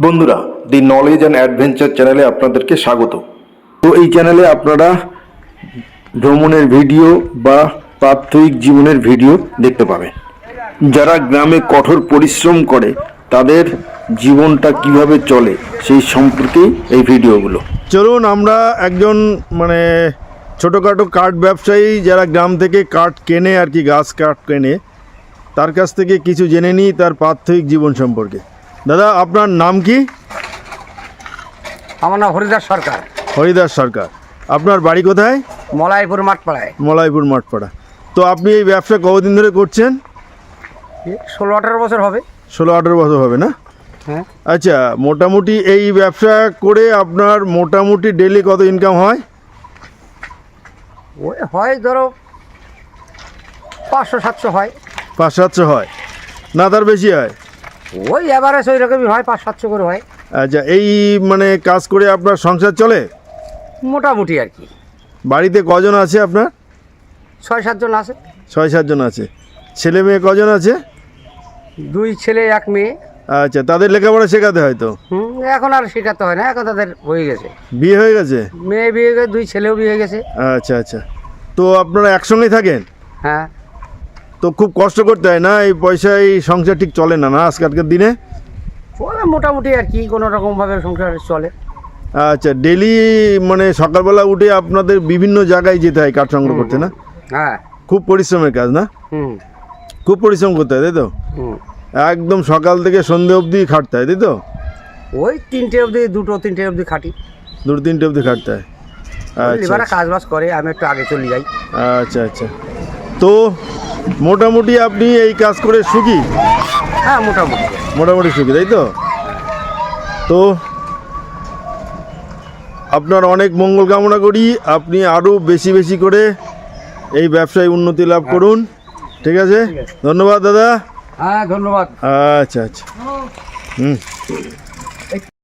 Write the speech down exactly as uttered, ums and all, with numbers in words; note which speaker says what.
Speaker 1: বন্ধুরা দি knowledge and adventure চ্যানেলে আপনাদেরকে স্বাগত। তো এই চ্যানেলে আপনারা ভ্রমণের ভিডিও বা প্রাত্যহিক জীবনের ভিডিও দেখতে পাবেন। যারা গ্রামে কঠোর পরিশ্রম করে তাদের জীবনটা কিভাবে চলে সেই সম্পর্কেই এই ভিডিওগুলো।
Speaker 2: চলুন আমরা একজন মানে ছোটোখাটো কাঠ ব্যবসায়ী যারা গ্রাম থেকে কাঠ কেনে আর কি, গাছ কাঠ কেনে, তার কাছ থেকে কিছু জেনে নিই তার প্রাত্যহিক জীবন সম্পর্কে। দাদা, আপনার নাম কি?
Speaker 3: আমার নাম হরিদাস সরকার।
Speaker 2: হরিদাস সরকার। আপনার বাড়ি কোথায়?
Speaker 3: মলাইপুর মাঠপাড়ায়।
Speaker 2: মলাইপুর মাঠপাড়া। তো আপনি এই ব্যবসা কতদিন ধরে করছেন?
Speaker 3: ষোলো আঠারো বছর হবে।
Speaker 2: ষোলো আঠারো বছর হবে না?
Speaker 3: হ্যাঁ।
Speaker 2: আচ্ছা, মোটামুটি এই ব্যবসা করে আপনার মোটামুটি ডেলি কত ইনকাম হয়?
Speaker 3: ওই হয় ধরো পাঁচশো সাতশো হয়।
Speaker 2: পাঁচ সাতশো হয় না, তার বেশি হয়?
Speaker 3: ওই এভারেজ ওই রকমই হয়, পাঁচ সাতশো করে হয়।
Speaker 2: আচ্ছা, এই মানে কাজ করে আপনার সংসার চলে
Speaker 3: মোটামুটি আর কি।
Speaker 2: বাড়িতে কজন আছে আপনার?
Speaker 3: ছয় সাতজন আছে।
Speaker 2: ছয় সাতজন আছে। ছেলে মেয়ে কজন আছে?
Speaker 3: দুই ছেলে এক মেয়ে।
Speaker 2: আচ্ছা, তাদের লেখাপড়া শেখাতে হয়তো?
Speaker 3: হুম, এখন আর শেখাতে হয় না, এখন তাদের হয়ে গেছে,
Speaker 2: বিয়ে হয়ে গেছে।
Speaker 3: মেয়ে বিয়ে গেছে, দুই ছেলেও বিয়ে গেছে।
Speaker 2: আচ্ছা আচ্ছা। তো আপনারা একসঙ্গেই থাকেন?
Speaker 3: হ্যাঁ।
Speaker 2: তো খুব কষ্ট করতে হয় না? এই পয়সায় সংসার ঠিক চলে না না আজকালকার দিনে?
Speaker 3: চলে মোটামুটি আর কি, কোনো রকমভাবে সংসার চলে।
Speaker 2: আচ্ছা, ডেলি মানে সকালবেলা উঠে আপনাদের বিভিন্ন জায়গায় যেতে হয় কাঠ সংগ্রহ করতে না?
Speaker 3: হ্যাঁ।
Speaker 2: খুব পরিশ্রমের কাজ না?
Speaker 3: হুম
Speaker 2: খুব পরিশ্রম করতে হয় তাই তো?
Speaker 3: হুম।
Speaker 2: একদম সকাল থেকে সন্ধে অবধি খাটতে হয় তাই তো?
Speaker 3: ওই তিনটে অবধি, দুটো তিনটে অবধি খাটি।
Speaker 2: দুটো তিনটে অবধি খাটতে হয়। আচ্ছা
Speaker 3: এবারে কাজ বাজ করে, আমি একটু আগে চলে যাই।
Speaker 2: আচ্ছা আচ্ছা। তো মোটামুটি আপনি এই কাজ করে সুখী?
Speaker 3: হ্যাঁ, মোটামুটি
Speaker 2: মোটামুটি সুখী তাই তো? তো আপনার অনেক মঙ্গল কামনা করি, আপনি আরও বেশি বেশি করে এই ব্যবসায় উন্নতি লাভ করুন। ঠিক আছে, ধন্যবাদ দাদা।
Speaker 3: হ্যাঁ, ধন্যবাদ।
Speaker 2: আচ্ছা আচ্ছা। হুম।